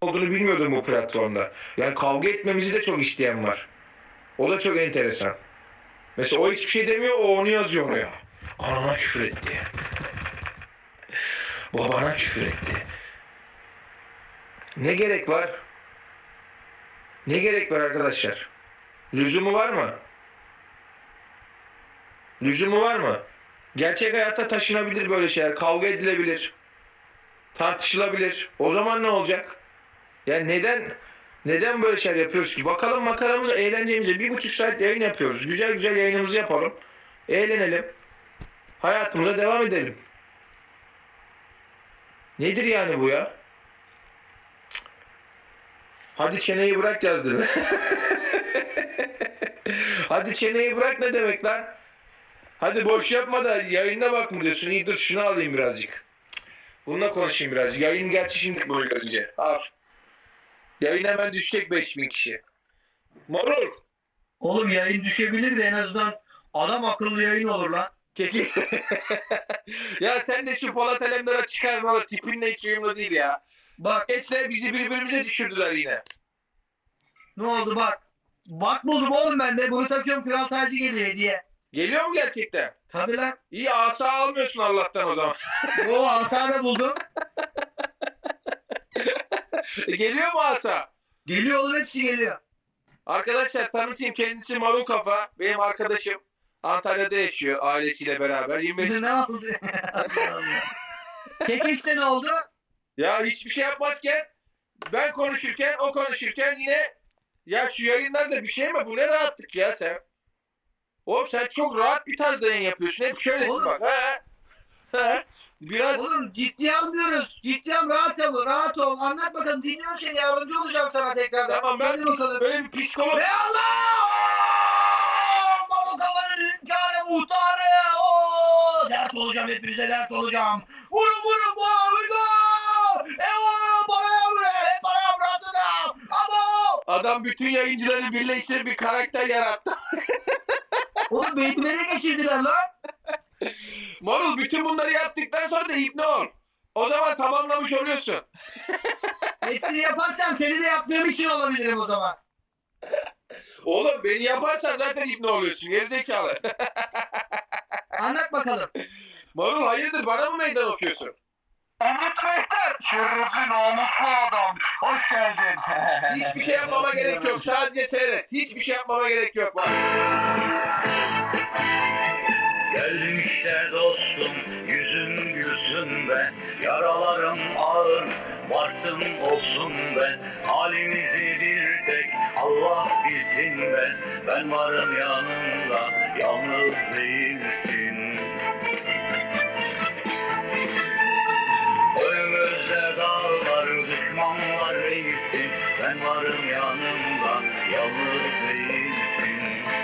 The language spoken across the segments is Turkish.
olduğunu bilmiyordum bu platformda. Yani kavga etmemizi de çok isteyen var. O da çok enteresan. Mesela o hiçbir şey demiyor, o onu yazıyor oraya. Anama küfür etti. Babana küfür etti. Ne gerek var? Ne gerek var arkadaşlar? Lüzumu var mı? Lüzumu var mı? Gerçek hayatta taşınabilir böyle şeyler. Kavga edilebilir. Tartışılabilir. O zaman ne olacak? Yani neden böyle şeyler yapıyoruz ki? Bakalım makaramıza, eğlencemize 1,5 saat yayın yapıyoruz. Güzel güzel yayınımızı yapalım. Eğlenelim. Hayatımıza devam edelim. Nedir yani bu ya? Hadi çeneyi bırak yazdı. Hadi çeneyi bırak ne demek lan? Hadi boş yapma da yayına bak mı diyorsun? İyi dur şunu alayım birazcık. Bununla konuşayım birazcık. Yayın gerçi şimdi bunu görünce. Al. Yayın hemen düşecek 5.000 kişi. Marul. Oğlum yayın düşebilir de en azından adam akıllı yayın olur lan. Keki. Ya sen de şu Polat Alemdar'a çıkarma, tipinle hiç uyumlu değil ya. Bak Geçle bizi birbirimize düşürdüler yine. ne oldu bak. Bak buldum oğlum ben de. Bunu takıyorum, kral tacı geliyor hediye. Geliyor mu gerçekten? Tabii lan. İyi asa almıyorsun Allah'tan o zaman. O asa da buldum. Geliyor mu asa? Geliyor oğlum, hepsi geliyor. Arkadaşlar tanıtayım, kendisi Marul Kafa. Benim arkadaşım. Antalya'da yaşıyor ailesiyle beraber. 25. Ne oldu? Kekeç'te ne oldu? Ya hiçbir şey yapmazken ben konuşurken o konuşurken yine ya şu yayınlarda bir şey mi? Bu ne rahatlık ya sen? Oğlum sen çok rahat bir tarzda yayın yapıyorsun. Hep şöylesin Oğlum. bak. He. Biraz Oğlum ciddiye almıyoruz. Ciddiye al, rahat ol, rahat ol. Anlat bakalım, dinliyorum seni, yardımcı olacağım sana tekrardan. tamam, ben Söyle bakalım. böyle bir psikolog. Ve Allah! Marul Kafa'nın hünkârı, muhtarı. Oo! Dert olacağım, hepinize dert olacağım. Vurun boğazına! Bana buraya, hep bana bıraktın. Abo! Adam bütün yayıncıları birleştirip bir karakter yarattı. Oğlum beynime geçirdiler lan. Marul bütün bunları yaptıktan sonra da hipne ol. O zaman tamamlamış oluyorsun. Hepsini yaparsam seni de yaptığım için olabilirim o zaman. Oğlum beni yaparsan zaten hipne oluyorsun. Gerizekalı. Anlat bakalım. Marul hayırdır, bana mı meydan okuyorsun? Anlat Mehter. Şerefli namuslu adam. Hoş geldin. Hiçbir şey yapmama gerek yok. Sadece seyret. Hiçbir şey yapmama gerek yok. Bak. Geldim işte dostum, yüzün gülsün be. Yaralarım ağır, varsın olsun be. Halimizi bir tek Allah bilsin be. Ben varım yanında, yalnız değilsin. Önümüzde dağlar, düşmanlar değilsin. Ben varım yanında, yalnız değilsin.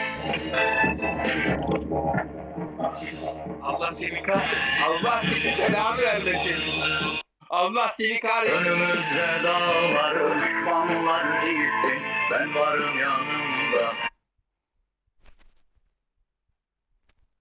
Allah seni kahretsin. Allah seni belanı vermesin. Allah seni kahretsin. Önümüzde dağlar, düşmanlar değilsin. Ben varım yanında.